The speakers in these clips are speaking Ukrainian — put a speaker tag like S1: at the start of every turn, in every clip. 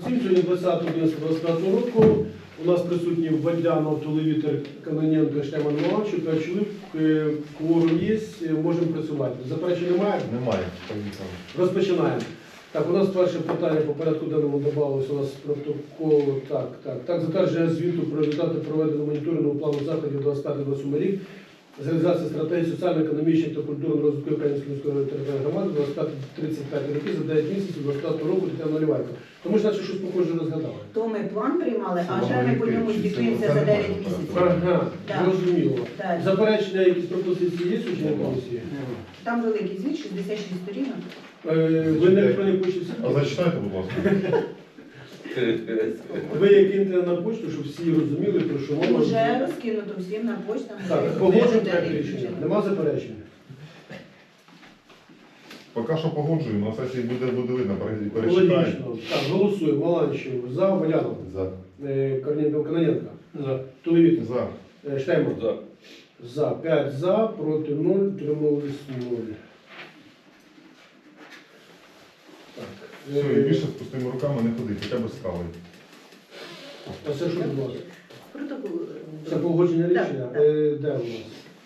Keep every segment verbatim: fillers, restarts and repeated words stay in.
S1: всім. Сьогодні двадцятого одинадцятого двадцять п'ятого року. У нас присутні Водянов, Тулевітер, Каноненко, Штеман Маланчук, п'ять чоловік. Кворум є, можемо працювати. Заперечень немає?
S2: Немає.
S1: Розпочинаємо. Так, у нас перше питання по порядку денному додавалося у нас протокол. Так, так, так, затвердження звіту про результати проведеного моніторингового плану заходів двадцять п'ятий двадцять сьомий рік з реалізації стратегії соціально-економічної та культурного розвитку Української міської територіальної громади двадцять п'ятий тридцять п'ятий роки за дев'ять місяців двадцять п'ятого року Тетяна Наливайко. Тому що наче щось похоже розглядали.
S3: То ми план приймали, а вже ми по ньому звітуємося за дев'ять місяців.
S1: Ага,
S3: Так.
S1: зрозуміло.
S3: Так.
S1: Заперечення, якісь пропозиції є у членів комісії?
S3: Там великий звіт, шістдесят шість сторінок.
S1: Е, Ви на електронній почті?
S2: А зачитайте, будь ласка.
S1: Ви як киньте на почту, щоб всі розуміли, про що мова.
S3: Уже розкинуто всім на почтам.
S1: Так, погоджуємо проект рішення. Нема заперечень?
S2: Поки що погоджуємо, на сесії буде, буде видно, перечитаємо.
S1: Логічно. Так, голосуємо. Маланчев за, Валянов.
S2: За.
S1: Е, Корнієнко, Каноненко. За. Тулевітер.
S2: За.
S1: Е, Штейман.
S4: За.
S1: За. п'ять за, проти нуль, утримались нуль. Так.
S2: Все, і
S1: Е,
S2: більше з пустими руками не ходить, хоча б з кавою.
S1: А це що будь ласка?
S3: Протокол.
S1: Це погодження
S3: Так,
S1: рішення?
S3: так.
S1: Е, Де у нас?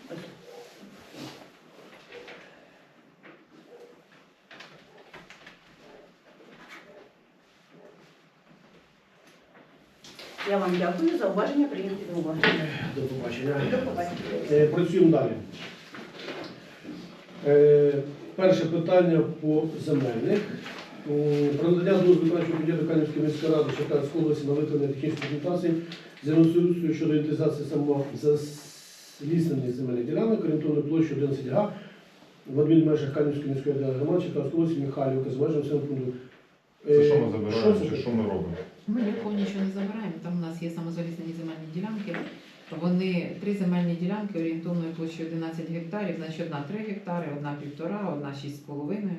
S3: Я вам дякую за уваження, прийняті до уваги.
S1: До побачення.
S3: До побачення.
S1: Е, Працюємо далі. Е, Перше питання по земельних. М, Про надання дозволу виконавчого комітету Канівської міської ради Черкаської області на виконання технічної документації землеустрою щодо інвентаризації самозаліснених земельних ділянок орієнтовною площею одинадцять га в адмінмежах Канівської міської громади Черкаської області Михайлівка з межами населеного пункту.
S2: Це що ми
S1: Е,
S2: забираємо,
S1: це
S2: чи
S1: таке?
S2: що ми робимо?
S5: Ми нікого нічого не забираємо. Там у нас є самозаліснені земельні ділянки. Вони три земельні ділянки орієнтовною площею одинадцять гектарів, значить одна три гектари, одна півтора, одна шість з половиною.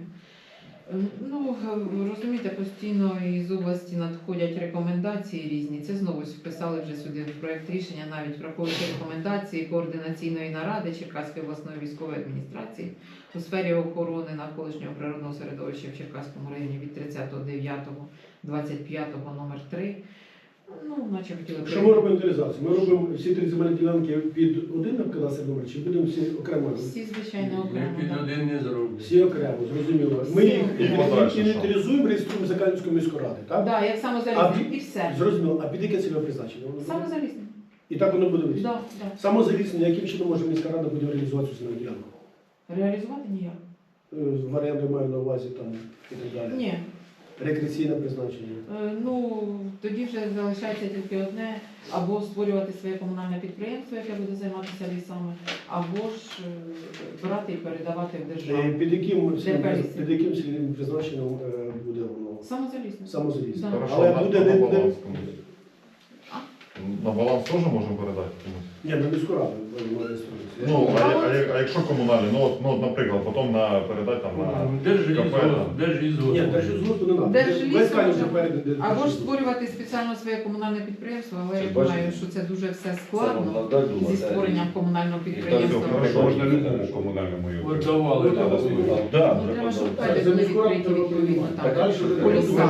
S5: Ну, розумієте, постійно із області надходять рекомендації різні. Це знову вписали вже сюди в проєкт рішення, навіть враховуючи рекомендації координаційної наради Черкаської обласної військової адміністрації у сфері охорони навколишнього природного середовища в Черкаському районі від тридцятого дев'ятого двадцять п'ятого номер три. Ну, наче хотіли б-
S1: Що ми робимо інвентаризацію? Ми робимо всі три земельні ділянки під один кадастровий номер, чи будемо всі окремо?
S5: Всі, звичайно, окремо.
S4: Під
S5: да.
S4: один не зроблю.
S1: Всі окремо, зрозуміло. Ми їх
S2: І подальше,
S1: інвентаризуємо, реєструємо за Канівською міською ради, так?
S5: Да, як
S1: А
S5: самозаліснення.
S1: під-
S5: І все.
S1: Зрозуміло. А під яке цільове призначення? Воно буде?
S5: Самозаліснення.
S1: І так воно буде висіти?
S5: Да, да.
S1: Самозаліснення, яким чином може міська рада буде реалізувати цю земельну ділянку?
S5: Реалізувати ніяк.
S1: Е, Варіанти маю на увазі там і так далі.
S5: Ні.
S1: Рекреаційне призначення.
S5: Е, Ну, тоді вже залишається тільки одне, або створювати своє комунальне підприємство, яке буде займатися лісами, або ж е, брати і передавати в
S1: Е,
S5: державу.
S1: Під яким,
S5: Де
S1: під яким цільовим призначенням е, буде воно?
S5: Самозалісно.
S1: Самозаліснення.
S5: Да.
S2: Хорошо,
S1: Але
S2: на,
S1: буде
S2: на
S1: не-
S2: баланс
S1: не-
S2: комусь.
S5: А?
S2: На баланс теж можемо передати комусь?
S1: Ні, на міську раду воно реєструється.
S2: Ну, а, я- а, я- а якщо комунальні, ну, от, ну, от, наприклад, потім на передати там на...
S4: Держи
S2: Кафе,
S4: ізгост,
S2: да.
S4: держи ізгост.
S1: Ні, держлісгоспу не треба.
S5: Держлісу
S1: Весь Канів
S5: може
S1: вже переданий.
S5: Або ж створювати спеціально своє комунальне підприємство, але
S6: Це
S5: я
S6: бачите?
S5: думаю, що це дуже все
S6: Це
S5: складно
S6: вам надать,
S5: зі
S6: думаю,
S5: створенням комунального
S2: Все,
S5: підприємства.
S2: хорошо.
S7: Можна любому комунальному його.
S4: От давали,
S1: Ну,
S4: давали.
S1: так.
S7: Да,
S5: Ну, треба, щоб
S1: Так,
S5: пети
S1: за
S5: були
S1: міську раду
S5: відкриті
S1: треба
S5: відповідно
S1: приймати.
S5: там.
S1: Так, далі вже
S5: по лісам.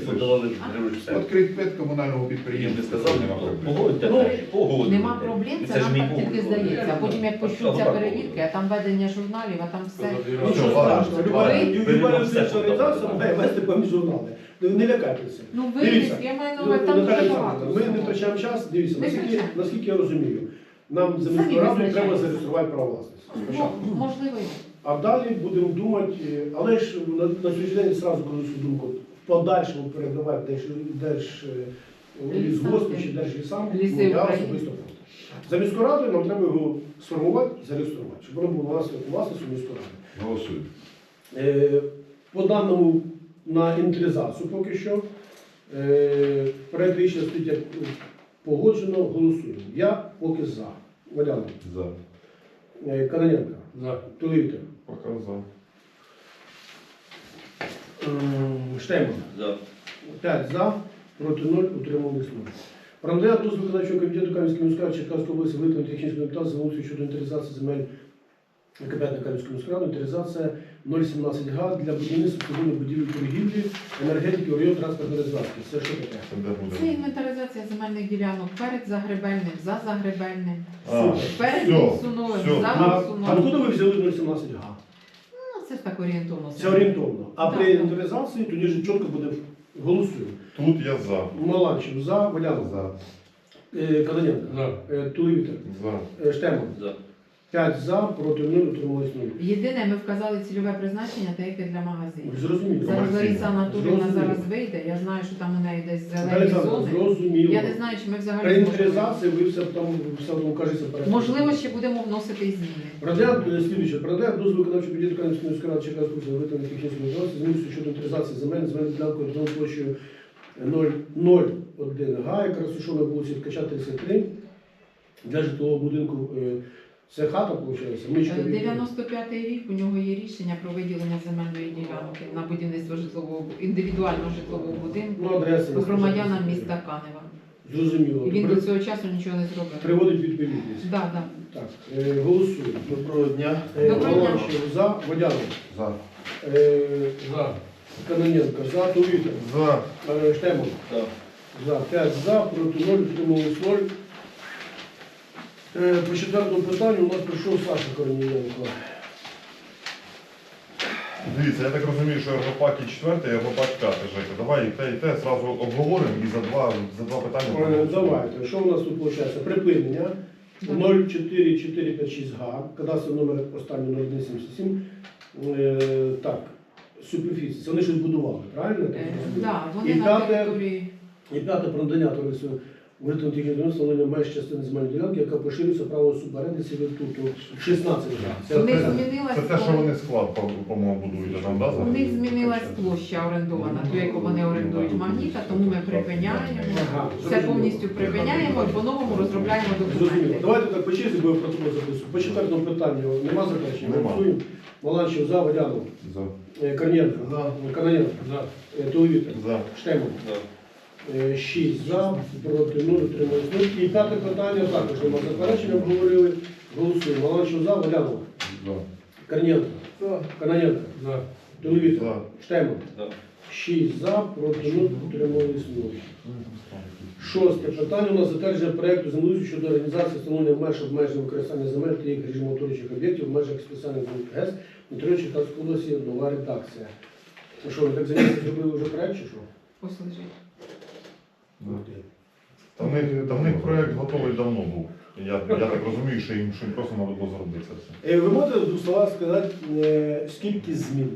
S7: Відкрити п'ять комунального підприємства.
S6: Не сказав,
S7: Нема проблем.
S6: погодьте,
S1: Ну,
S6: погодьте.
S5: Нема проблем, це
S6: Це ж
S5: нам
S6: мій
S5: так тільки
S6: пункт.
S5: здається. А потім як почнуться перевірки, а там ведення журналів, а там все.
S1: Нічого
S2: ладно,
S1: страшного. Люба
S2: ладно.
S1: люба
S6: Ви
S1: юридична
S6: все
S1: організація
S6: подали.
S1: має вести певні журнали. Не не лякайтеся.
S5: Ну
S1: Дивіться,
S5: виріс, я маю на увазі, там
S1: Наталя
S5: дуже
S1: Олександрівна,
S5: багато.
S1: ми не
S5: всього.
S1: втрачаємо час. Дивіться,
S5: Не
S1: наскільки,
S5: втрачаємо.
S1: наскільки я розумію, нам за
S5: Самі
S1: міською радою
S5: визначаємо.
S1: треба зареєструвати право власності.
S5: Ну,
S1: Спочатку.
S5: можливо.
S1: А далі будемо думати, е, але ж на, на сьогоднішній день зразу кажу свою думку, в подальшому передавати держ, держ е, лісгоспу чи держлісам,
S5: Ліси
S1: ну, я
S5: України.
S1: особисто проти. За міською радою нам треба його сформувати і зареєструвати, щоб воно було власне- власністю міської ради.
S7: Голосуємо.
S1: Е, По даному на інвентаризацію поки що. Е, Проект рішення стоїть як погоджено, голосуємо. Я поки за. Валянов.
S2: За.
S1: Е, Каноненко.
S4: За.
S1: Тулівітер.
S2: Поки за.
S1: Ем, Штейман.
S6: За.
S1: п'ять за, проти нуль, утримались нуль. Про надання дозволу виконавчого комітету Кам'янської міської ради Черкаської області виконання технічної документації землеустрою щодо інвентаризації земель КП Кам'янської міської ради, інвентаризація нуль сімнадцять га для будівництва цивільної будівлі торгівлі, енергетики, орієнт, транспортної розв'язки. Це що таке?
S2: Це де буде?
S5: Це інвентаризація земельних ділянок перед загребельним, за загребельним,
S2: А,
S5: перед
S2: все,
S5: Білсуновим,
S2: все.
S5: за
S1: А
S5: Білсуновим.
S1: откуда ви взяли нуль сімнадцять га?
S5: Ну, це ж так орієнтовно.
S1: Це орієнтовно. А
S5: Так,
S1: при
S5: так.
S1: інвентаризації тоді ж чітко буде голосуємо.
S2: Тут я за.
S1: Маланчев за, Валянов
S2: За.
S1: Е, Каноненко,
S7: За.
S1: е, Тулевітер,
S2: За.
S1: е, Штеман.
S7: За.
S1: п'ять за, проти нуль, утрималось нуль.
S5: Єдине, ми вказали цільове призначення, та яке для магазинів.
S1: Зрозуміло.
S5: Зараз
S2: Комерційне.
S5: Лариса Анатоліївна
S1: Зрозуміло.
S5: зараз вийде, я знаю, що там у неї десь зелені
S1: Олександр,
S5: зони.
S1: зрозуміло.
S5: Я не знаю, чи ми
S1: При
S5: взагалі зможемо.
S1: інвентаризації ви все там все одно кажеться перед.
S5: Можливо, ще будемо вносити і зміни.
S1: Продав, слідуюче, продав дозвіл виконавчого підійду Канівської міської ради Черкаської області на виготовлення технічної документації, змінюється щодо інвентаризації земель, земельну ділянку орієнтовною площею нуль нуль один га, яка розташована на вулиці Ткача, тридцять три, для житлового будинку. е, Це хата, виходить? Мичка від-
S5: дев'яносто п'ятий рік у нього є рішення про виділення земельної ділянки на будівництво житлового індивідуального житлового будинку
S1: Ну, адреса.
S5: громадянам міста Канева.
S1: Зрозуміло.
S5: І він
S1: При-
S5: до цього часу нічого не зробив.
S1: Приводить відповідність.
S5: Да, да.
S1: Так, е, голосуємо.
S7: Доброго дня.
S1: Е,
S5: Доброго дня.
S1: Волошин за, Водянов.
S7: За.
S1: Е, за. Каноненко за, Тулвітер.
S2: За.
S1: Е, Штеман.
S7: За.
S1: За. п'ять за, проти нуль, утрималось нуль. Е, По четвертому питанню у нас прийшов Саша Корнієнко.
S2: Дивіться, я так розумію, що Європак і четвертий, Європак п'ятий, Жека. Давай і те, і те зразу обговоримо і за два, за два питання.
S1: Е,
S2: проголосуємо.
S1: Давайте, що у нас тут виходить? Припинення нуль чотири чотири п'ять шість га, кадастровий номер останній нуль один сімдесят сім. Е, Так, суперфіції. Це вони щось будували, правильно? я так
S5: Е,
S1: розумію?
S5: Да, вони
S1: І
S5: на
S1: п'яте-
S5: території.
S1: І п'яте про надання товариству виготовлення технічного встановлення меж частини земельної ділянки, яка поширюється право суборенди сервітуту шістнадцять га.
S5: У них
S2: Це
S5: змінилась
S2: те, що вони склад, по- по-моєму, будують там, да?
S5: у
S2: зараз?
S5: них змінилась площа орендована, ту, яку вони орендують магніта, тому ми припиняємо.
S1: Ага,
S5: Все
S1: зрозуміло.
S5: повністю припиняємо і по-новому розробляємо
S1: Зрозуміло.
S5: документи.
S1: Давайте так по черзі будемо протокол записувати. По четвертому питанню нема заперечень?
S2: Нема.
S1: Голосуємо. Маланчев за, Водянов.
S2: За.
S1: Е, Корнієнко.
S7: За.
S1: Каноненко. Е, Тулевітер.
S2: За.
S1: Штеман. Е, шість за, проти нуль, утримались нуль. І п'яте питання також нема заперечень, обговорили. Голосуємо. Маланчев за, Водянов.
S7: За.
S1: Корнієнко. Каноненко. Тулевітер.
S2: За.
S1: Штеман.
S7: За.
S1: шість за, проти нуль, утримались нуль. Шосте питання у нас затвердження проєкту землеустрою щодо організації встановлення меж обмеження використання земель та їх режиму утворюючих об'єктів в межах спеціальних зон ГЕС на території Черкаської області, нова редакція. Ну що, ви так замість зробили вже проєкт чи що?
S5: Ось лежить.
S2: Та в них, та в них проєкт готовий давно був. Я, я так розумію, що їм, що їм просто треба було зробити це все.
S1: Е, Ви можете в двох словах сказати, е, скільки змін?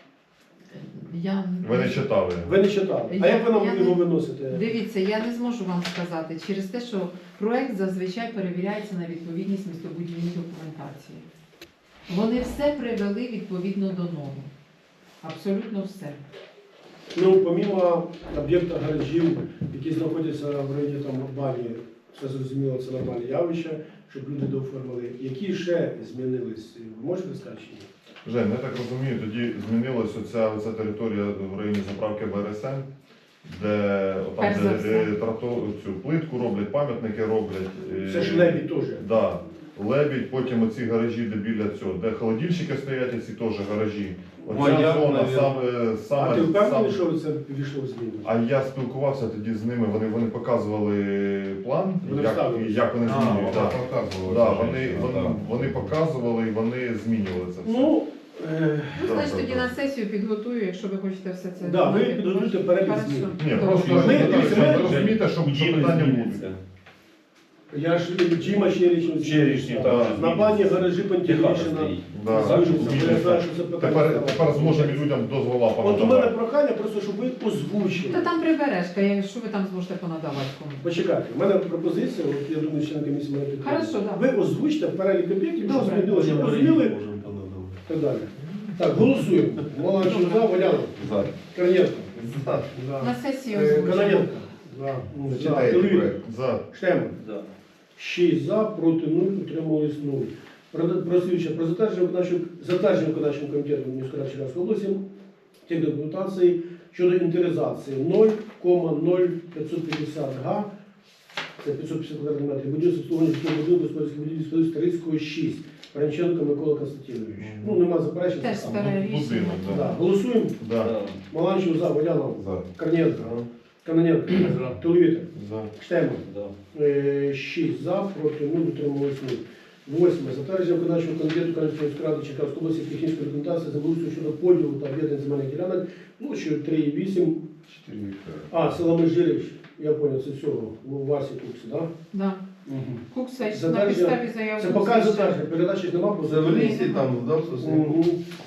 S5: Я...
S2: Ви не читали.
S1: Ви не читали. А
S5: Я-
S1: як ви нам
S5: я
S1: його
S5: не-
S1: виносите?
S5: Дивіться, я не зможу вам сказати через те, що проект зазвичай перевіряється на відповідність містобудівній документації. Вони все привели відповідно до норм. Абсолютно все.
S1: Ну, помімо об'єкта гаражів, які знаходяться в районі там бані, все зрозуміло, це нормальне явище, щоб люди дооформили. Які ще змінились? Ви можете сказати чи ні?
S2: Жень, я так розумію, тоді змінилася оця, оця територія в районі заправки Б Р С М, де, там,
S5: Перш за
S2: де,
S5: все.
S2: де трато, цю плитку роблять, пам'ятники роблять. е,
S1: Це ж лебідь теж.
S2: Да. Лебідь, потім оці гаражі, де біля цього, де холодильщики стоять, ці теж гаражі. Оця
S7: Маяк,
S2: зона
S7: навіть.
S2: саме, саме,
S1: А ти впевнений,
S2: саме-
S1: що це ввійшло в зміну?
S2: А я спілкувався тоді з ними, вони, вони показували план,
S1: Вони
S2: як,
S1: вставили.
S2: як вони
S7: А,
S2: змінюють.
S7: вона
S2: Да.
S7: показувала.
S2: Да,
S7: це
S2: вони,
S7: женщина,
S2: вони,
S7: так.
S2: вони показували і вони змінювали це все.
S1: Ну, е,
S5: Ну,
S2: Так,
S5: значить,
S2: так,
S5: тоді
S2: так.
S5: на сесію підготую, якщо ви хочете все це.
S1: Да, ви
S5: знати.
S1: підготуйте перелік
S5: Хорошо.
S1: змін.
S2: Ні,
S5: Добре.
S2: просто
S1: Ми-
S2: ви
S1: дивіться, ми-
S2: розумієте, що, що питання будуть.
S1: я ж Джима Черічну
S7: Черічні, так.
S1: на бані гаражі Пантелейшина.
S2: Да.
S1: Звичайно,
S2: Змінюється.
S1: я знаю, що це питання
S2: Тепер,
S1: ставить.
S2: тепер зможемо людям дозвола
S1: От у мене
S2: понадавати.
S1: прохання просто, щоб ви озвучили.
S5: Та там прибережка, я- що ви там зможете понадавати кому?
S1: Почекайте, у мене пропозиція, от я думаю, член комісії мене підтримує.
S5: Хорошо, да.
S1: Ви озвучте перелік об'єктів, що
S5: Добре.
S1: змінилося, щоб розуміли і так далі. Так, голосуємо. Маланчев за, Валянов,
S7: За.
S1: Корнієнко,
S5: На сесію
S1: Е,
S5: озвучимо.
S1: Каноненко, за,
S7: Читайте
S1: Тулевітер,
S7: проект.
S2: За.
S1: Штеман.
S7: За.
S1: шість за, проти нуль, утримались нуль. Про, про, слідуюче, про затвердження виконавчого затвердження виконавчим комітетом міської ради Черкаської області тих документацій щодо інтеризації нуль нуль п'ятсот п'ятдесят га, це п'ятсот п'ятдесят квадратних метрів, будівництво обслуговування житлового будинку, господарських будівель Старицького шість. Панченко Микола Константинович.
S2: Мгм.
S1: Ну, нема заперечень.
S5: Теж
S1: це саме.
S5: старе рішення.
S2: Будинок,
S1: Да.
S2: да.
S1: Голосуємо.
S2: Да.
S1: Маланчев за, Водянов,
S2: За.
S1: Корнієнко, Каноненко, Туловітер, Штеман. Е, шість за, проти нуль, утрималось нуль. Восьме. Затвердження виконавчого комітету Кам'янської міської ради Черкаської області технічної документації землеустрою щодо поділу та об'єднання земельних ділянок площею три і вісім.
S7: чотири гектари.
S1: А, село Межирич, я понял, це цього, у Васі Куксі, так?
S5: Да.
S1: Да?
S5: Кукса на
S1: Затвердження-
S5: підставі заяви.
S1: Це поки затвердження, передачі ж нема, бо
S4: За Велісі там вдав
S1: Мгм.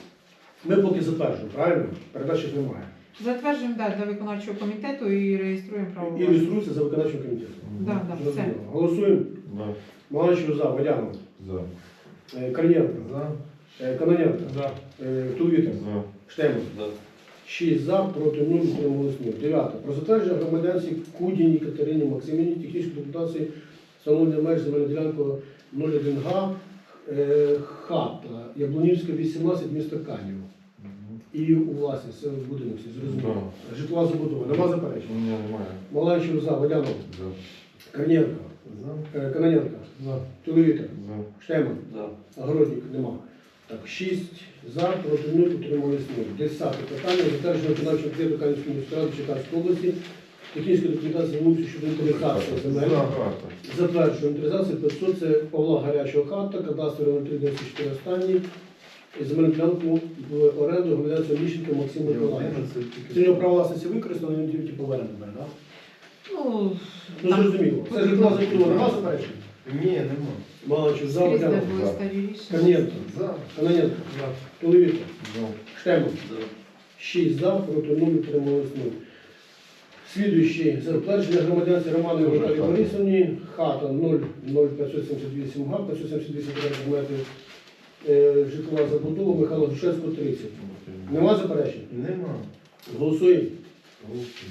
S1: Ми поки затверджуємо, правильно? Передачі ж немає.
S5: Затверджуємо да, для виконавчого комітету і реєструємо право.
S1: І
S5: власності.
S1: реєструється за виконавчим комітетом.
S5: Да, да, все.
S1: Зрозуміло. Голосуємо.
S2: Да.
S1: Маланчев за, Водянов,
S7: За.
S1: е, Корнієнко,
S4: За.
S1: е, Каноненко, е, Туловітер,
S2: За.
S1: Штеман. шість за, проти нуль, утрималось нуль. Дев'яте. Про затвердження громадянці Кудіній Катерині Максимівні технічної документації встановлення меж земельної ділянки нуль один га, е, хата, Яблунівська, вісімнадцять, місто Канів. І у власність, це будинок, всі зрозуміло. Житлова забудова. Нема заперечень?
S2: Ні, немає.
S1: Маланчев за, Водянов,
S7: За.
S1: Корнієнко,
S4: За.
S1: е, Каноненко, Туловітер,
S2: За.
S1: Штеман, Огородник, нема. Так, шість за, проти нуль, утримались нуль. Десяте питання. Затвердження виконавчого комітету Кам'янської міської ради Черкаської області. Технічна документація вулиці щодо інвентаризації земель.
S2: Карта.
S1: Затверджує інвентаризацію п'ятсот, це Павла Гарячого хата, кадастр нуль три дев'яносто чотири останній. І земельну ділянку в оренду громадянця Міщенка Максима Миколаївича. Це його право власності використано, він тільки поверне тепер, так?
S5: Ну,
S1: Ну, зрозуміло. Це житлова забудова. Нема заперечень?
S4: Ні, нема.
S1: Маланчев за,
S5: скрізь, де
S1: Водянов,
S5: були
S2: за.
S5: старі рішення.
S1: Корнієнко,
S4: За.
S1: Каноненко, Туловітер,
S2: За.
S1: Штеман. шість за, проти нуль, утрималось нуль. Слідуючий. Затвердження громадянці Романової
S2: Дуже
S1: Наталії
S2: хата.
S1: Борисовні. Хата нуль ноль п'ятсот сімдесят вісім га, п'ятсот сімдесят вісім квадратних метрів. Е, Житлова забудова Михайла Грушевського, тридцять. Нема заперечень?
S4: Нема.
S1: Голосуємо.
S4: Голосуй.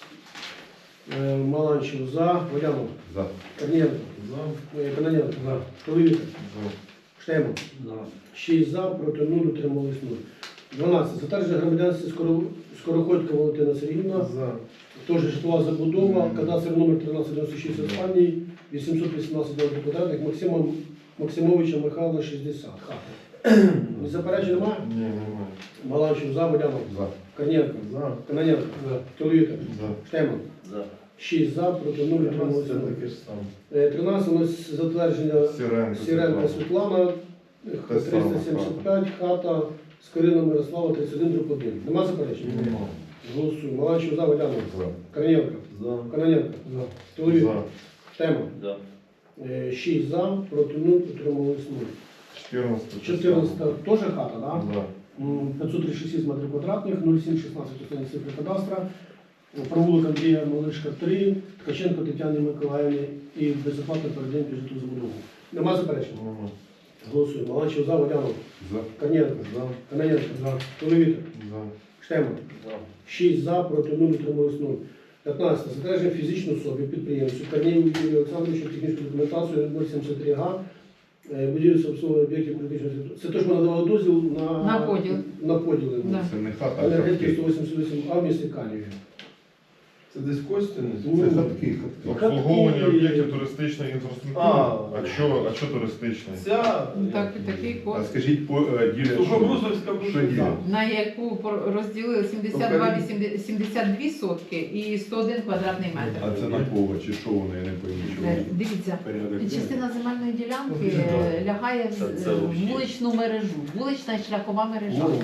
S1: Е, Маланчев за, Водянов,
S7: За.
S1: Корнієнко,
S4: За.
S1: е, Каноненко, Туловітер,
S2: За.
S1: Штеман. шість за, проти нуль, утримались нуль. дванадцяте. Затвердження громадянці Скоро- Скороходька Валентина Сергіївна.
S4: За.
S1: Теж житлова забудова, кадастр номер тринадцять дев'яносто шість останній, вісімсот вісімнадцять метрів квадратних, Максима Максимовича Михайла шістдесят. Хата. Не заперечень немає?
S2: Ні, немає.
S1: Маланчев за, Водянов,
S7: За.
S1: Корнієнко,
S4: За.
S1: Каноненко, Туловітер,
S2: За.
S1: Штеман. шість за, проти нуль, утримались
S4: Це
S1: нуль.
S4: таке ж саме.
S1: Е, тринадцяте у нас затвердження
S2: Сіренко.
S1: Сіренка Світлана,
S2: Те саме,
S1: триста сімдесят п'ять, хата Скорина Мирослава, тридцять один, дроб один. Нема заперечень?
S2: Немає.
S1: Голосуємо. Маланчев за, Водянов,
S7: За.
S1: Корнієнко,
S4: За.
S1: Каноненко, Туловітер,
S2: За.
S1: Штеман. Е, шість за, проти нуль, утримались нуль.
S2: чотирнадцяте.
S1: чотирнадцяте теж хата, так?
S2: Да.
S1: М, п'ятсот тридцять шість метрів квадратних, нуль сім шістнадцять останні цифри кадастра. Провулок Андрія Малишка, три, Ткаченко Тетяни Миколаївни і безоплатно передаємо під житлову забудову. Нема заперечень?
S2: Немає.
S1: Голосуємо. Маланчев за, Водянов,
S7: За.
S1: Корнієнко,
S4: За.
S1: Каноненко, Туловітер,
S2: За.
S1: Штеман. шість за, проти нуль, утримались нуль. п'ятнадцяте. Затвердження фізичної особи, підприємцю Корнієву Юрію Олександровичу технічну документацію нуль сімдесят три га, е, будівництво обслуговування об'єктів критичної ситуації. Це теж ми надавали дозвіл на,
S5: На поділ.
S1: На поділ.
S5: Да.
S7: Це не хата, а
S1: Енергетики
S7: хатки.
S1: сто вісімдесят вісім А в місті Каніві.
S4: Це десь Костяни?
S1: Ну,
S7: Це хатки, хатки.
S2: Обслуговування
S1: Хатки.
S2: об'єктів туристичної інфраструктури.
S4: А.
S2: А що, а що туристичної?
S4: Ця...
S5: Ну, Так, і такий
S7: А
S5: код.
S7: скажіть, по е, ділять, що?
S4: Сухобрусовська
S7: Що ділять?
S5: На яку пор- розділили сімдесят два вісімдесят сімдесят дві сотки і сто один квадратний метр.
S7: А це на кого? Чи що воно? Я не пойму, що
S5: Е,
S7: воно.
S5: Дивіться,
S7: Порядок денний.
S5: частина земельної ділянки е, лягає в з-
S6: Це
S5: в
S6: взагалі.
S5: вуличну мережу, вулична і шляхова мережа.
S4: Ну,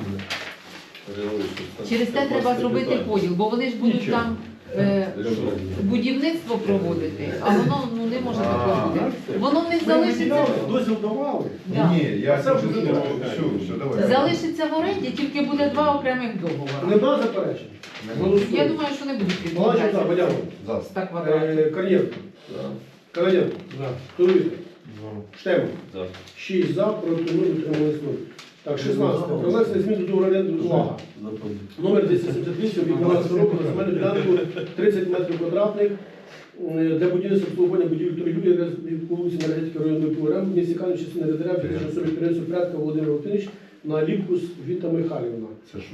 S5: Через те треба зробити поділ, бо вони ж будуть
S7: Нічого.
S5: там е, будівництво проводити, а воно ну, не може такого бути. Воно в них залишиться,
S1: Дозвіл давали.
S5: да.
S7: Ні, ні, я
S1: Це
S7: кажу,
S1: вже
S7: що
S1: добре.
S7: все, все, давай.
S5: залишиться в оренді, тільки буде два окремих договори.
S1: Нема заперечень?
S5: Я
S1: Голосуємо.
S5: думаю, що не будуть
S1: Маланчев за,
S5: відмовлятися.
S1: Водянов,
S7: За.
S5: ста квадратів.
S1: е, Корнієнко, Каноненко, Туловітер,
S2: За.
S1: Штеман.
S6: За.
S1: шість за, проти нуль, утримались нуль. Так, шістнадцяте. Про внесення змін до договору оренди увага. Номер двісті сімдесят вісім від дванадцятого року на земельну ділянку тридцять метрів квадратних е, для будівництва обслуговування будівель торгівлі по вулиці Енергетики районної ПУРМ в місті Канів частини РДР фізичної особи підприємства Прядка Володимир Володимирович на Ліпкус Віта Михайлівна.
S7: Це що?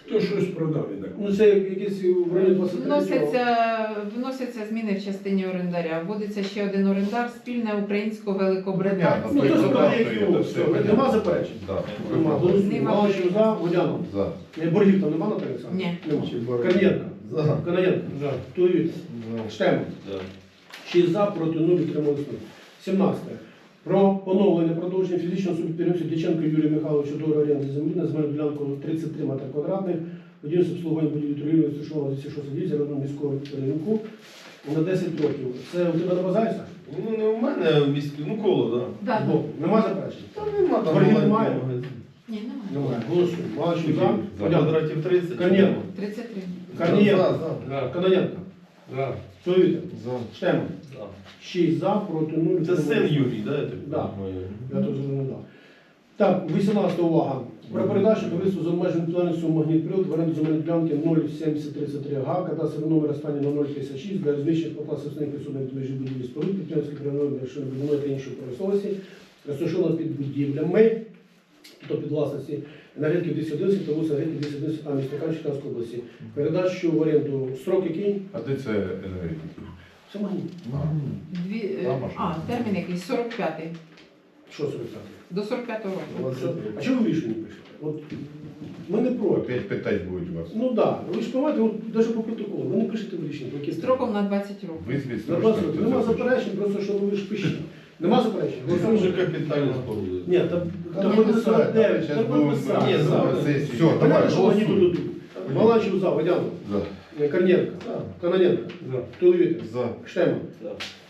S6: Хто щось продав, я так.
S1: Ну це якісь в районі двадцять три.
S5: Вносяться, вносяться зміни в частині орендаря. Вводиться ще один орендар, спільне українсько-великобританське.
S1: Ну, то
S2: Це
S1: справді,
S2: так,
S1: як
S2: це
S1: його,
S2: все,
S1: все.
S2: понятно.
S1: Нема заперечень?
S2: Да.
S1: Нема. Голосуємо. Маланчев за, Водянов.
S2: За.
S1: Е, Боргів там нема, Наталя Олександровна?
S5: Ні.
S1: Нема. Корнієнко.
S4: За.
S1: Канаєнко.
S6: За.
S1: Туїв. Штеман.
S4: За.
S1: шість за, проти нуль, утримались нуль. сімнадцяте. Про поновлення продовження фізичного підприємства Дяченко Юрія Михайловича договору оренди землі на земельну ділянку тридцять три метри квадратних, будівництво обслуговування будівлі торгівлі розташовано на двісті шостій дивізії районного міського ринку на десять років. Це у тебе на базарі, Саш?
S4: Ну не у мене, а в міську, ну коло, так.
S5: Да.
S1: Збоку. Нема заперечень?
S4: Та нема там
S1: Боргів
S4: маленький
S1: немає?
S4: магазин.
S5: Ні, немає.
S1: Немає. Голосуємо. Маланчев за,
S4: За
S1: Водянов.
S4: квадратів тридцять.
S1: Корнієнко.
S5: тридцять три.
S1: Корнієнко.
S4: За, за.
S6: За.
S1: Канаєнко.
S6: За.
S1: Туїв.
S2: За.
S1: Штеман.
S4: За.
S1: шість за, проти нуль.
S4: Це
S1: утримались
S4: син
S1: нуль.
S4: Юрій, да, я так
S1: Да.
S4: розумію?
S1: Я тут вже не дав. Так, вісімнадцята увага. Про передачу товариству з обмеженим відповідальністю «Магнітприлад» в оренду земельної ділянки нуль сімдесят тридцять три га, кадастровий номер останній на нуль п'ятдесят шість для розміщення покласів основних присутних межі будівлі споруд, підприємських районів, машинобудівної та іншої промисловості, розташовано під будівлями, тобто під власності енергетики двісті одинадцять та вулиця енергетики двісті одинадцять А міста Кам'янської Черкаської області. Передачу в оренду строк який?
S7: А де це енергетики?
S1: Це магніт.
S5: Дві, е,
S2: Там машина.
S5: а, термін якийсь сорок п'ятий.
S1: Що сорок п'ятий?
S5: До сорок п'ятого року.
S1: А чого ви рішення пишете? От ми не проти.
S7: Опять питать будуть вас.
S1: Ну так, да. Ви ж розумієте, от навіть по протоколу, ви не пишете в рішення, по які
S5: Строком на двадцять років.
S7: Визвіть
S1: На двадцять років. Нема заперечень, просто що ви ж пишете. Нема заперечень?
S4: Це вже капітально спорудили.
S1: Ні, там
S7: Та
S1: там
S7: ми
S1: буде
S7: писали,
S1: сорок дев'ять,
S7: щас
S1: там
S7: будемо
S1: буде писати.
S4: Ні,
S7: на
S4: за.
S7: сесії.
S2: Все, давай,
S1: Понятно, що вони тут
S2: голосуй.
S1: дадуть. Маланчев за, Водянов,
S7: За.
S1: Корнієнко,
S4: За.
S1: Каноненко,
S6: За.
S1: Туловітер,
S2: За.
S1: Штеман.
S4: За.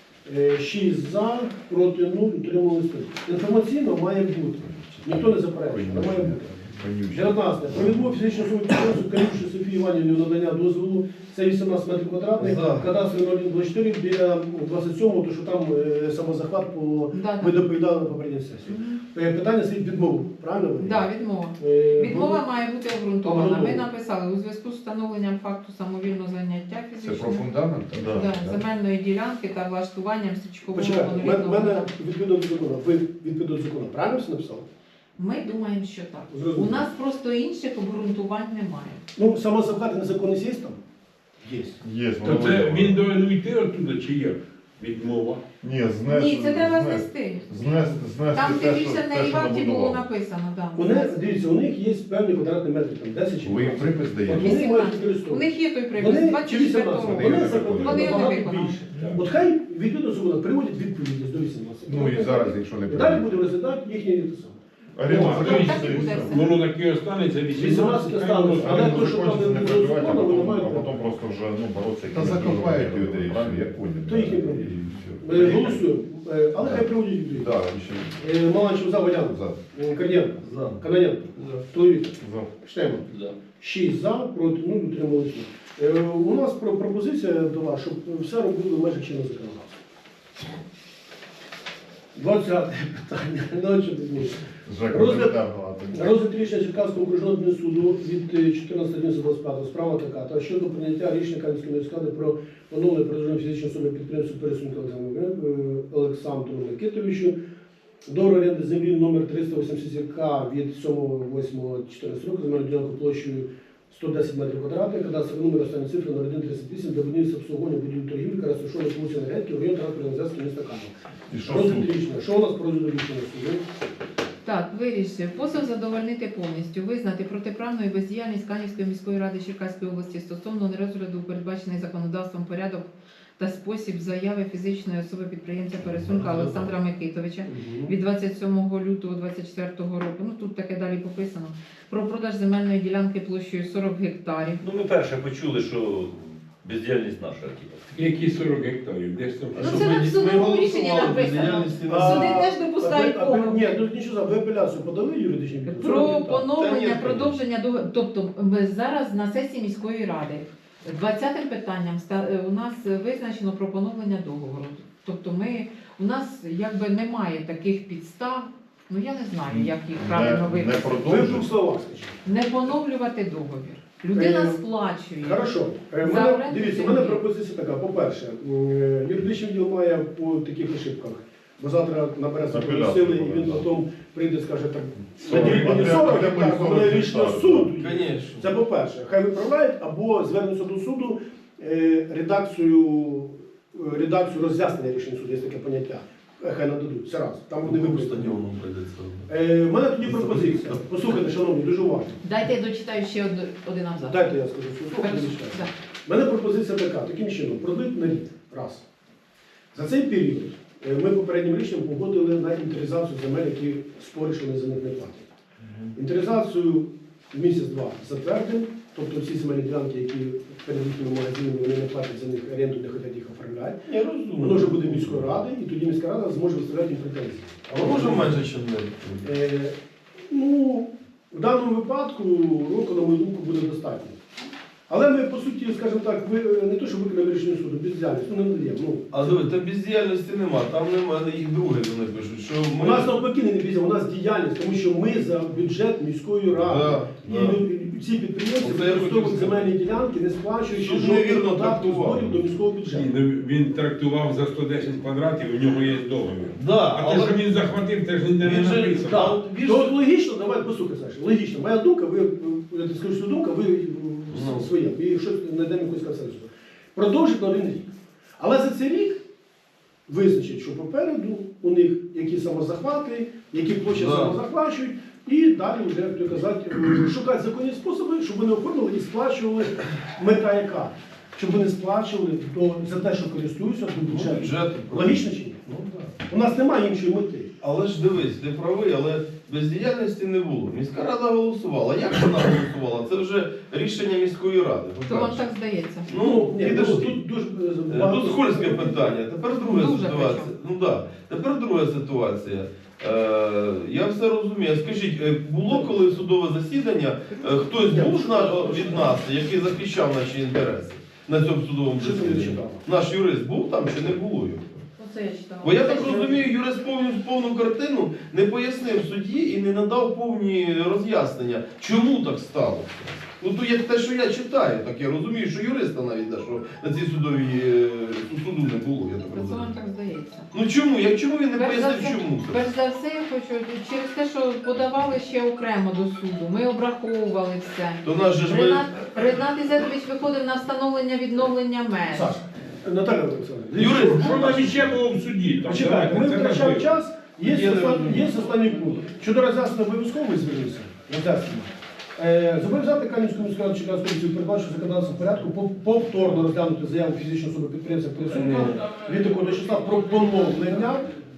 S1: Е, шість за, проти нуль, утримались нуль. Інформаційно має бути. Ніхто не заперечує, але має бути.
S7: Вонюче.
S1: дев'ятнадцяте. Про відмову фізичної особи підприємцю Калюші Софії Іванівні надання дозволу. Це вісімнадцять метрів квадратних,
S4: За.
S1: кадастровий нуль один двадцять чотири біля двадцять сьомого, то що там е, самозахват по
S5: Да,
S1: ви
S5: да.
S1: доповідали на попередній сесії.
S5: Мгм.
S1: Е, Питання слід відмову, правильно? ви?
S5: Да, відмова.
S1: Е,
S5: Відмова має бути обґрунтована. Ми
S1: Обґрунтована.
S5: написали у зв'язку з встановленням факту самовільного заняття
S7: Це про
S5: фізичного
S7: фундамент?
S2: Да.
S5: да, земельної ділянки та влаштуванням стрічкового
S1: Почекайте, в мене- в
S5: монолітного.
S1: мене відповідно до закону. Ви відповідно до закону. Правильно все написали?
S5: Ми думаємо, що так.
S1: Зрозуміло.
S5: У нас просто інших обґрунтувань немає.
S1: Ну, самозахват незаконність є там? Є.
S2: Є,
S6: То
S2: воно
S6: це
S2: видно.
S6: він повинен йти оттуда чи як? Відмова.
S2: Ні, знес,
S5: Ні, це треба
S2: знес-
S5: знести.
S2: Знес, знести
S5: Там
S2: те, що,
S5: дивіться,
S2: те,
S5: на
S2: що
S5: Іваті було
S2: набудував.
S5: написано. Да.
S1: У них, дивіться, у них є певні квадратні метри, там десять чи
S7: Ви їм
S1: двадцять.
S7: припис
S1: От
S7: даєте?
S1: вони мають
S5: вісімнадцять. У
S1: використовувати.
S5: них є той припис
S1: Вони чи
S5: двадцять четвертого
S1: вісімнадцять,
S5: року.
S1: вони
S7: не
S1: заплатили
S5: Вони не
S1: набагато
S5: виконали.
S1: більше.
S6: Так.
S1: От хай відповідно до закону приводять відповідність до вісімнадцяти.
S7: Ну і зараз, якщо не
S1: І далі
S7: прийде.
S1: будемо розглядати їхні те саме.
S2: Оренда
S6: Ну,
S2: закінчиться
S5: так і
S2: і
S5: буде
S2: все.
S5: все.
S6: Воно таке останеться
S1: вісімнадцять
S6: вісімнадцять. хай воно
S1: останеться. Але
S2: Оренда
S1: то, що там
S2: закончиться,
S1: не
S2: не
S1: було
S2: переживайте, а
S1: закону, вони
S2: потім,
S1: мають
S2: а
S1: право.
S2: потім просто вже ну, боротися.
S7: Та закопають людей, все, я понял.
S1: То їхні проблеми.
S7: І все.
S1: Ми голосуємо, е, але хай приводять відповідь.
S7: Да, ще.
S1: Е, Маланчев за, Водянов,
S7: За.
S1: Е, Корнієнко,
S4: За.
S1: Каноненко, Туловітер,
S2: За.
S1: Штеман.
S4: За.
S1: шість за, проти нуль, утрималися. Е, У нас про пропозиція до вас, щоб все робили в межах чинного законодавства. двадцяте питання. Ну, що ти змієш?
S2: Жека,
S1: Розгляд-
S2: недавно, а ти-
S1: Розгляд рішення Черкаського окружного адмінсуду від чотирнадцятого двадцять п'ятого справа така, та щодо прийняття рішення Кам'янської міської ради про поновлення продовження фізичної особи підприємства пересунку Олександру Микитовичу до оренди землі номер триста вісімдесят К від сьомого восьмого чотирнадцятого року земельну ділянку площею сто десять метрів квадратних, кадастровий номер останні цифри номер один тридцять вісім для будівництва обслуговування будівлі торгівлі, яка розташована в вулиці Енергетики в районі транспортної зв'язки міста Кам'янка.
S2: І що
S1: Розгляд
S2: суд?
S1: рішення. Що у нас по розгляду рішення суду?
S5: Так, вирішив. Позов задовольнити повністю, визнати протиправною бездіяльність Канівської міської ради Черкаської області стосовно нерозгляду передбачений законодавством порядок та спосіб заяви фізичної особи підприємця Пересунка Олександра Микитовича від двадцять сьомого лютого двадцять четвертого року. Ну тут таке далі пописано. Про продаж земельної ділянки площею сорок гектарів.
S8: Ну, ми перше почули, що бездіяльність наша. типу.
S6: Які сорок гектарів? Десь там.
S5: Ну, це в судовому рішенні написано. Суди теж допускають
S1: А ви- а ви-
S5: помилки.
S1: Ні, тут нічого, за- ви апеляцію подали юридичні підписи?
S5: Про
S4: Та ні,
S5: поновлення,
S4: конечно.
S5: продовження до тобто ми зараз на сесії міської ради двадцятим питанням ста- е, у нас визначено про поновлення договору. Тобто ми у нас якби немає таких підстав. Ну я не знаю, як їх правильно
S2: Не, не
S5: виписати.
S1: Ви в
S2: продовжуй.
S1: двох словах скажіть.
S5: Не поновлювати договір. Людина
S1: Е,
S5: сплачує.
S1: Хорошо. Е,
S5: За
S1: мене-
S5: оренду
S1: Дивіться, у
S5: землі.
S1: мене пропозиція така. По-перше, м, е, юридичний відділ має по таких ошибках Бо завтра набереться
S2: Апеляцію
S1: сили, і він
S2: буде, да.
S1: потім прийде і скаже, так,
S2: сорок,
S1: наділіть мені
S2: а де-
S1: сорок
S2: а де мої
S1: гектар, бо
S2: сорок
S1: мене рішення
S2: гектар,
S1: суду.
S4: Конечно.
S1: Це по-перше. Хай виправляють або звернуться до суду е, редакцію, е, редакцію роз'яснення рішень суду, є таке поняття. Е, Хай нададуть. Це раз. Там вони
S4: По
S1: виправлять.
S4: стадіону прийдеться.
S1: Е, У мене тоді пропозиція. Послухайте, шановні, дуже уважно.
S5: Дайте я дочитаю ще од- один абзац.
S1: Дайте я скажу свою думку,
S5: Хорошо,
S1: не читаю.
S5: да.
S1: У мене пропозиція така, таким чином, продлить на рік. Раз. За цей період е, ми попереднім рішенням погодили на інвентаризацію земель, які спори, що вони за них не платять. Інвентаризацію в місяць-два затвердимо, тобто всі земельні ділянки, які перед їхніми магазинами, вони не платять за них оренду, не хочуть їх оформляти.
S4: Я розумію.
S1: Воно вже буде міської ради, і тоді міська рада зможе виставляти їм претензії.
S4: А може менше, ніж не?
S1: Е, ну, в даному випадку року, на мою думку, буде достатньо. Але ми, по суті, скажімо так, ви не то, що виконали рішення суду, бездіяльність, ну не надаємо. Ну,
S4: А диви, та бездіяльності нема, там нема, їх друге вони пишуть, що
S1: у
S4: ми...
S1: нас навпаки не бездіяльність, у нас діяльність, тому що ми за бюджет міської ради.
S4: Да,
S1: І
S4: да.
S1: лю- ці підприємці
S4: Оце я хотів
S1: використовують
S4: сказати.
S1: земельні ділянки, не сплачуючи
S4: Суд
S1: жодних
S4: невірно
S1: податків,
S4: трактував.
S1: зборів до міського
S6: Ні,
S1: бюджету.
S6: ну, він трактував за сто десять квадратів, у нього є договір.
S4: Да,
S6: А
S4: але...
S6: те, що він захватив, це ж ніде не
S4: Він же-
S6: написано.
S4: Да.
S1: Так,
S4: він
S1: то
S4: ж-
S1: от логічно, давайте послухай, Саша, логічно. Моя думка, ви, ви- я ти скажу свою думку, ви
S4: Ну.
S1: своє, і щось знайдемо якусь консенсус. Продовжить на один рік. Але за цей рік визначить, що попереду у них які самозахвати, які площі
S4: Да.
S1: самозахвачують, і далі вже, як то казати, шукати законні способи, щоб вони оформили і сплачували мета яка. Щоб вони сплачували до, за те, що користуються до бюджету.
S4: Бюджет.
S1: Логічно чи ні?
S4: Ну, да.
S1: У нас немає іншої мети.
S4: Але ж дивись, ти правий, але бездіяльності не було. Міська рада голосувала. Як вона голосувала? Це вже рішення міської ради.
S5: То вам
S4: по-перше.
S5: так здається.
S4: Ну,
S1: ні,
S4: підожди.
S1: тут дуже
S4: Е,
S1: багато-
S4: Тут скользке питання. Тепер друга
S5: Дуже
S4: ситуація. Ну да. Тепер друга ситуація. Е, я все розумію. Скажіть, е, було коли судове засідання, е, хтось був з на- від нас, який захищав наші інтереси на цьому судовому
S1: Що ти не
S4: засіданні?
S1: читала?
S4: Наш юрист був там чи не було його?
S5: Оце я читала.
S4: Бо я так розумію, юрист повну, повну картину не пояснив судді і не надав повні роз'яснення, чому так сталося. Ну то як те, що я читаю, так я розумію, що юриста навіть да, що на цій судовій е, суду не було, я так
S5: Це вам
S4: розумію.
S5: так здається.
S4: Ну чому? Як чому він не
S5: Перш за
S4: пояснив,
S5: все-
S4: чому це?
S5: Перш за все, я хочу через те, що подавали ще окремо до суду. Ми обраховували все.
S4: То наш же ж ви...
S5: Ренат, Ренат Ізетович виходив на встановлення відновлення меж.
S1: Саша, Наталя Олександровна,
S4: Юрист,
S6: Що нам іще було в суді? Там,
S1: почекайте, ми
S6: давайте, це
S1: втрачаємо
S6: важливо.
S1: час, є,
S4: Я не
S1: остан-
S4: розумію.
S1: є останній пункт. Щодо роз'яснення обов'язково звернувся. Роз'яснення. Е, Зобов'язати Кам'янську міську раду Черкаської області передбачити законодавство порядку пов- повторно розглянути заяву фізичної особи підприємця присутнього від такого до числа про поновлення,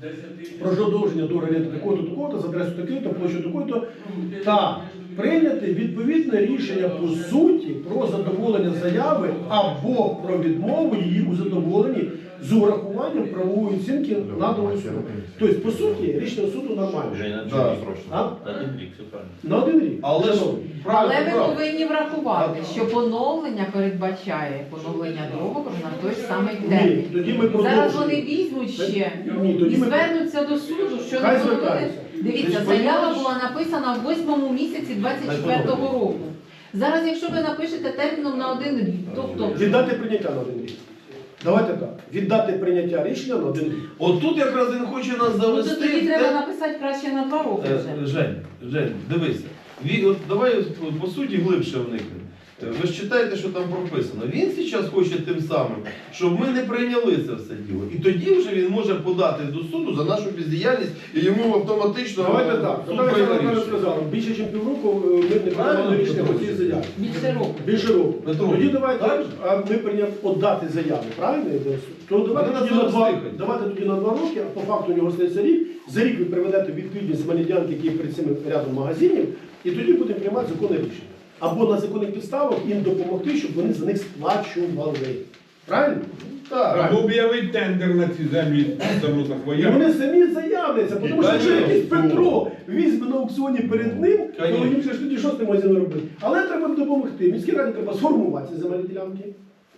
S1: про продовження договору оренди такого-то, такого-то, за адресою такої-то, площу такої-то, та прийняти відповідне рішення по суті про задоволення заяви або про відмову її у задоволенні з урахуванням правової оцінки наданої суду. Тобто, по суті, рішення суду нормальне.
S8: Женя,
S4: Да.
S8: да.
S1: А?
S8: Один рік, все правильно.
S1: На один рік.
S4: Але ж
S1: Шановні.
S4: правильно,
S5: Але ви
S4: правильно.
S5: повинні врахувати, що поновлення передбачає поновлення договору на той самий
S1: Ні,
S5: термін.
S1: тоді ми
S5: Зараз вони
S1: продовжуємо.
S5: візьмуть ще
S1: Ні,
S5: і
S1: тоді ми
S5: звернуться до суду, що
S1: Хай
S5: не поновили.
S1: звертаються.
S5: Дивіться,
S4: Ти ж
S5: заява
S4: розумієш?
S5: була написана в восьмому місяці двадцять четвертого року. Зараз, якщо ви напишете терміном на один рік, тобто
S1: віддати прийняття на один рік. Давайте так. Віддати прийняття рішення на один рік.
S4: От тут якраз він хоче нас
S5: ну, то
S4: завести.
S5: тоді
S4: в
S5: треба
S4: те-
S5: написати краще на два роки
S4: Е,
S5: вже.
S4: Жень, Жень, дивися. Ві- от давай по- по суті глибше вникнемо. Е, Ви ж читаєте, що там прописано. Він зараз хоче тим самим, щоб ми не прийняли це все діло. І тоді вже він може подати до суду за нашу бездіяльність і йому автоматично
S1: Давайте
S4: е,
S1: так.
S4: суд
S1: Наталя
S4: прийме
S1: Олександровна
S4: рішення.
S1: сказала, більше ніж півроку е, ми не приймали
S4: Правильно,
S1: рішення по
S4: Петро?
S1: цій заяві.
S5: Більше року.
S1: Більше року.
S4: Петро,
S1: Тоді давайте,
S4: так?
S1: а ми прийняли подати заяву, правильно? То давайте
S4: Вони
S1: тоді,
S4: на
S1: на
S4: це
S1: два,
S4: встигнуть.
S1: давайте тоді на два роки, а по факту у нього стається рік. За рік ви приведете відповідні земельні ділянки, які є перед цим рядом магазинів, і тоді будемо приймати законне рішення. Або на законних підставах їм допомогти, щоб вони за них сплачували. Правильно?
S4: Так.
S6: Або об'явити тендер на ці землі само
S1: І
S6: захвоя.
S1: вони самі заявляться, тому що якщо
S4: Конечно.
S1: якийсь Петро візьме на аукціоні перед ним, то
S4: Конечно.
S1: їм же ж тоді що з тим магазином робити. Але треба допомогти. Міській раді треба сформувати ці земельні ділянки.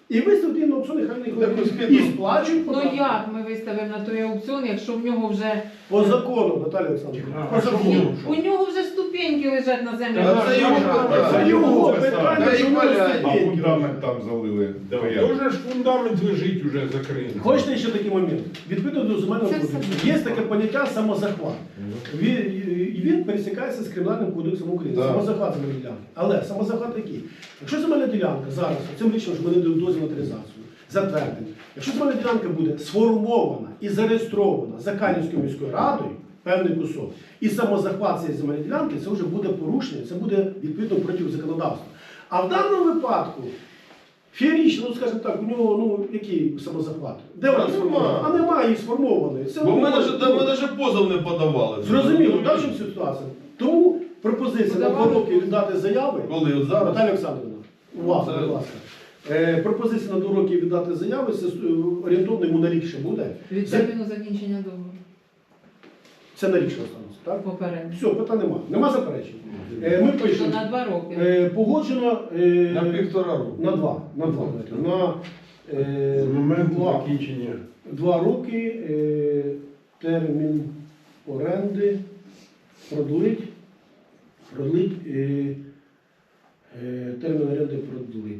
S1: І виставити їм на аукціон, нехай
S4: Так,
S1: вони
S4: ось
S1: і сплачують
S5: Ну
S1: податки.
S5: як ми виставимо на той аукціон, якщо в нього вже
S1: По закону, Наталія Олександрівна.
S6: А
S1: По
S6: що
S1: закону.
S6: було?
S5: у нього вже ступеньки лежать на землі.
S4: Та це його
S1: Це
S4: питання.
S1: його
S2: Та
S1: питання,
S4: й
S1: що воно
S4: валяй.
S7: А
S1: ступеньки.
S7: фундамент там залили.
S6: Да,
S7: Порядок.
S6: Тоже ж фундамент лежить уже закритий.
S1: Хочете ще такий момент? Відповідно до земельного
S5: Це
S1: кодексу
S5: все.
S1: є таке поняття самозахват. Він, і він пересікається з Кримінальним кодексом України.
S2: Да.
S1: Самозахват земельної ділянки. Але самозахват який? Якщо земельна ділянка зараз, цим рішенням, що ми не даємо дозвіл на реалізацію, затвердимо, якщо земельна ділянка буде сформована і зареєстрована за Канівською міською радою, певний кусок, і самозахват цієї земельної ділянки, це вже буде порушення, це буде відповідно проти законодавства. А в даному випадку, феєрично, ну скажімо так, у нього ну, який самозахват? Де вона
S4: Та
S1: сформована?
S4: нема.
S1: А немає її сформованої. Це
S4: Бо ми
S1: ну,
S4: навіть, ми навіть позов не подавали.
S1: Зрозуміло, так, що ситуація. Тому пропозиція на два
S5: Подавали
S1: роки віддати заяви.
S4: Коли от зараз?
S1: Наталя Олександрівна, увага,
S4: Це-
S1: будь ласка. Е, пропозиція на два роки віддати заяви, це е, орієнтовно йому на рік ще буде.
S5: Від
S1: Це,
S5: терміну закінчення договору.
S1: це на рік ще останеться, так?
S5: Попередньо.
S1: Все, питань нема. Нема заперечень. Е, ми
S5: То
S1: пишемо.
S5: на два роки.
S1: Е, погоджено е,
S4: На півтора року.
S1: на два. На два. На, е,
S6: З моменту
S1: два.
S6: закінчення.
S1: Два роки е, термін оренди продлить, продлить е, е, термін оренди продлить.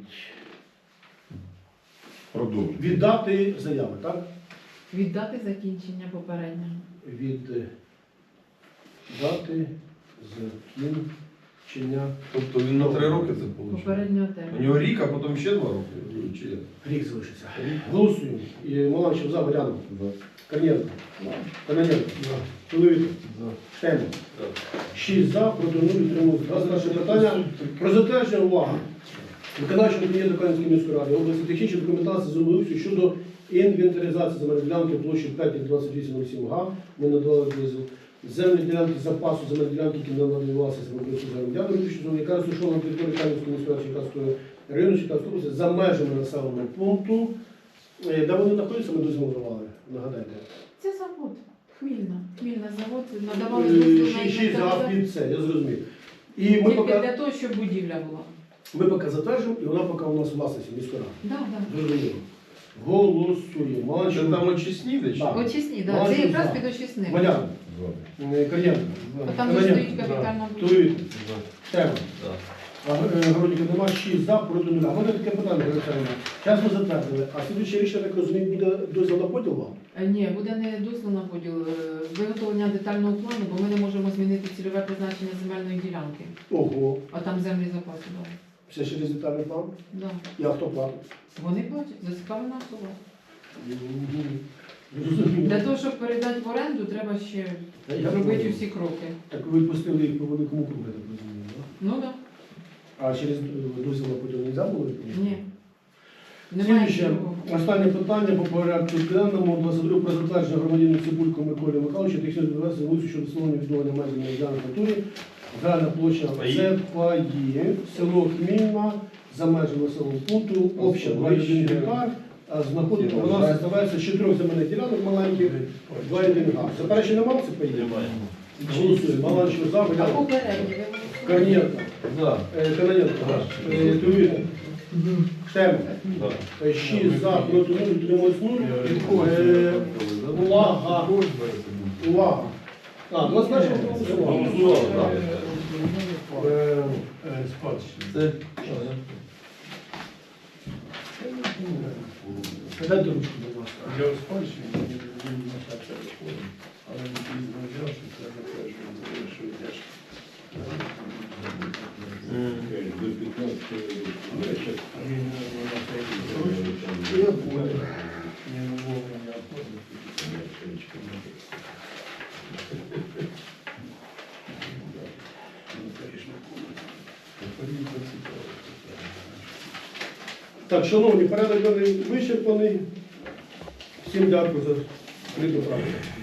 S7: Продовжуй.
S1: Віддати заяви, так?
S5: Віддати закінчення попереднього.
S1: Віддати закінчення.
S4: Тобто він на три роки це отримав.
S5: Попереднього
S4: У
S5: терміну.
S4: нього рік, а потім ще два роки. Чи як?
S1: Рік залишиться. Голосуємо. І Маланчев за, Варянов. Корнієнко. Кононенко. Чоловік. Штемов. Шість за, проти нуль, утримуються. Раз наше питання про затвердження, увага. Виконавчого комітету Канівської міської ради області технічної документації землеустрою щодо інвентаризації земельної ділянки площею п'ять двадцять вісім нуль сім га. Ми надали дозвіл. Земельні ділянки запасу земельної ділянки, які не надавалися землеустрою землянки, яка розташована на території Канівської міської ради Черкаської району Черкаської області за межами населеного пункту. Е, Де вони знаходяться, ми дозвіл давали, нагадайте.
S5: Це завод. Хмільна. Хмільна завод. Надавали
S1: Е,
S5: дозвіл на
S1: шість- Шість за
S5: інвентаризацію.
S1: під це, я зрозумів. І ми
S5: Тільки
S1: поки,
S5: для того, щоб будівля була.
S1: ми поки затверджуємо, і вона поки у нас у власності міської ради.
S5: Да, да.
S1: Зрозуміло. Голосуємо.
S4: Що
S1: Маланчев.
S4: там очисні де чи?
S1: Так.
S5: Очисні, да.
S1: Бачу,
S5: Це якраз
S1: за.
S5: під очисник.
S1: Валян. Е, Корнієнко.
S5: А там же
S1: Кононенко.
S5: стоїть капітальна будівля.
S1: Чоловік. Штемов.
S4: Да.
S1: А е, Городіка нема, шість за, проти нуля. У мене таке питання, Олександр. Зараз ми затвердили, а слідуюче рішення, так розумію, буде дозвіл на поділ вам?
S5: Е, Ні, буде не дозвіл на поділ, е, виготовлення детального плану, бо ми не можемо змінити цільове призначення земельної ділянки.
S1: Ого.
S5: А там землі запаси. Да.
S1: Все через детальний план?
S5: Да.
S1: І хто платить?
S5: Вони платять, зацікавлена особа.
S1: Зрозуміло.
S5: Для того, щоб передати в оренду, треба ще
S1: Я
S5: робити
S1: понял.
S5: всі кроки.
S1: Так ви пустили їх по великому кругу, я так розумію, так?
S5: Ну так.
S1: А через е, дозвіл на поділ не можна було?
S5: Ні. Немає
S1: Слідуюче,
S5: чого.
S1: останнє питання по порядку денному. двадцять друге про затвердження громадянину Цибулько Миколі Михайловича технічної документації вулиці щодо встановлення відновлення межі на ділянку натурі. Загальна площа
S4: Паї.
S1: це Паї, село Хмільна, за межами населеного пункту, обща двадцять один гектар, а знаходиться, вона складається з чотирьох земельних ділянок маленьких, два і один га. Заперечень немає, це Паї?
S4: Немає.
S1: Голосуємо. Маланчев за,
S5: А
S1: Валянов.
S5: попередні ви
S1: Корнієнко.
S4: Да.
S1: Е, Кононенко. Е, Тулін. Штемов.
S4: Да.
S1: Е, шість за, проти нуль, утримуюсь нуль. Е, Увага. Увага. А, двадцять перше голосували.
S4: Голосували, так.
S1: Е,
S4: Це
S1: Дайте ручку, будь ласка.
S9: Я у спадщині не розумію на це виходить, але не пізно взяв, що це затверджує, що я ж до п'ятнадцятого року. Я щас приміняю на цей. Я понял. Не вовремя оформити. Я чоловічка не Ну, конечно, Порівка цікаво.
S1: Так, шановні, порядок денний вичерпаний. Всім дякую за прийду працю.